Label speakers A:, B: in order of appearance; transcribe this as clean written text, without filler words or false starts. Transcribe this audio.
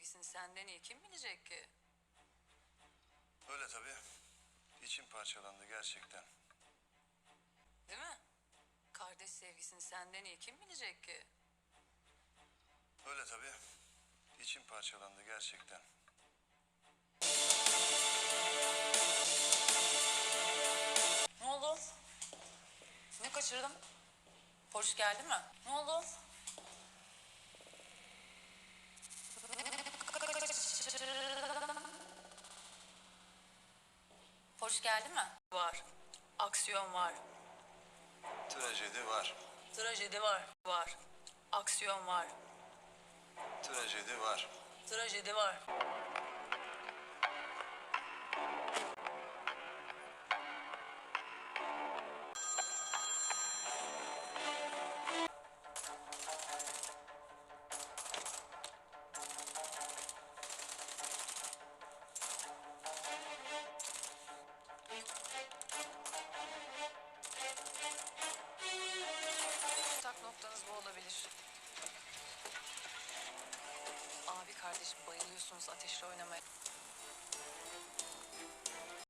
A: sevgisini senden iyi kim bilecek ki?
B: Öyle tabii. İçim parçalandı gerçekten.
A: Değil mi? Kardeş sevgisini senden iyi kim bilecek ki?
B: Öyle tabii. İçim parçalandı gerçekten.
A: Ne oldu? Ne kaçırdım? Polis geldi mi? Ne oldu? Polis geldi mi? Var. Aksiyon var.
B: Trajedi var.
A: Trajedi var. Var. Aksiyon var.
B: Trajedi var.
A: Trajedi var. Tak noktanız bu olabilir. Abi kardeşim bayılıyorsunuz ateşle oynamaya.